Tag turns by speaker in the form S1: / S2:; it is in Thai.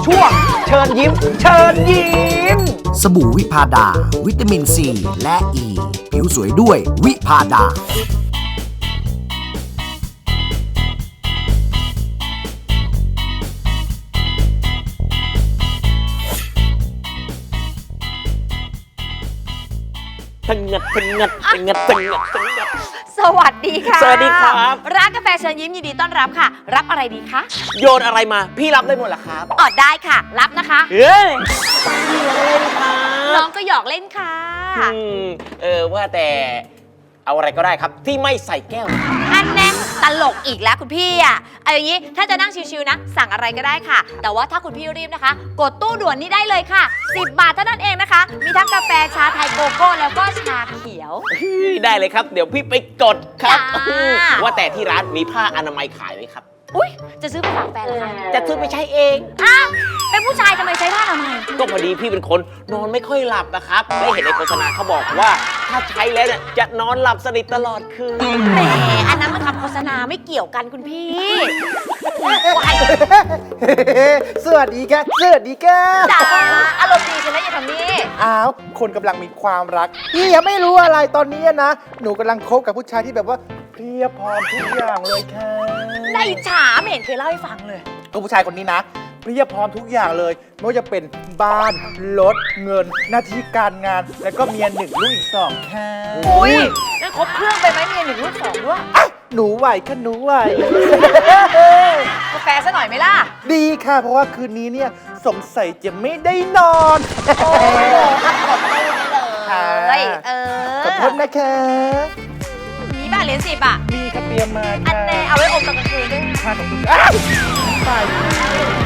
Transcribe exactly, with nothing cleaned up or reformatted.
S1: ช่วงเชิญยิ้มเชิญยิ้ม
S2: สบู่วิพาดาวิตามินซีและอ e. ีผิวสวยด้วยวิพาดา
S3: ตึงงัดตึงงัดตึงงัดตึงงัดตึงงัด
S4: สวัสดีค่ะ
S3: สวัสดีครับ
S4: ร้านกาแฟเชิญยิ้มยินดีต้อนรับค่ะ รับอะไรดีคะ
S3: โยนอะไรมาพี่รับได้หมดเหรอครับ
S4: อ๋อได้ค่ะ รับนะคะ
S3: เฮ้ยพี่เล่นครับ
S4: น้องก็หยอกเล่นค่ะ
S3: อืมเออว่าแต่เอาอะไรก็ได้ครับที่ไม่ใส่แก้ว
S4: อันแน่ตลกอีกแล้วคุณพี่อ่ะเอาอย่างนี้ถ้าจะนั่งชิวๆนะสั่งอะไรก็ได้ค่ะ แต่ว่าถ้าคุณพี่รีบนะคะ กดตู้ด่วนนี้ได้เลยค่ะสิบบาทเท่านั้นเองนะคะ มีทั้งกาแฟชาไทยโกโก้แล้วก็ชาเขียว
S3: ได้เลยครับเดี๋ยวพี่ไปกดครับ
S4: จ้า
S3: อืมว่าแต่ที่ร้านมีผ้าอนามัยขายไหมครับ
S4: อุ้ยจะซื้อไปฝากแฟนเหรอคะ
S3: จะซื้อไปใช้เอง
S4: อ้าวเป็นผู้ชายทำไมใช้ผ้าทำไมย
S3: ก็พอดีพี่เป็นคนนอนไม่ค่อยหลับนะครับได้เห็นในโฆษณาเขาบอกว่าถ้าใช้แล้วเนี่ยจะนอนหลับสนิทตลอดคืน
S4: แหมอันนั้นมันทำโฆษณาไม่เกี่ยวกันคุณพี่ว้าย
S1: สวัสดีค่ะสวัสดีค่ะ
S4: จ๋าอารมณ์ดีใช่ไหมอย่าทำนี่
S1: อ้าวคนกำลังมีความรักพี่ยังไม่รู้อะไรตอนนี้นะหนูกำลังคบกับผู้ชายที่แบบว่าเพรียบพร้อมทุกอย่างเลยค่ะ
S4: ได้อิจฉาไม่เห็นเคยเล่าให้ฟังเลย
S1: ก็ผู้ชายคนนี้นะเพรียบพร้อมทุกอย่างเลยไม่ว่าจะเป็นบ้านรถเงินหน้าที่การงานแล้วก็เมียหนึ่งลูกอีกสองค่ะ
S4: อุ้ยนั่นครบเครื่องไปไหมเมียหนึ่งลูกสองด้วย
S1: อ่ะหนูไหวค่ะหนูไหว
S4: กาแฟซะหน่อยไหมล่ะ
S1: ดีค่ะ เพราะว่าคืนนี้เนี่ยสงสัยจะไม่ได้นอน
S4: โอ้โหอัดกดตู้ได้เลยเออ
S1: ขอโทษนะคะ
S4: มีบ้านเหรียญสิบอ่ะ
S1: มีค่ะเตรียมมา
S4: อัน
S1: ค่ะ
S4: แน่เอาไว้อมตอนกลางคืนด้วย
S1: ค่ะขอบคุณอ้าวไป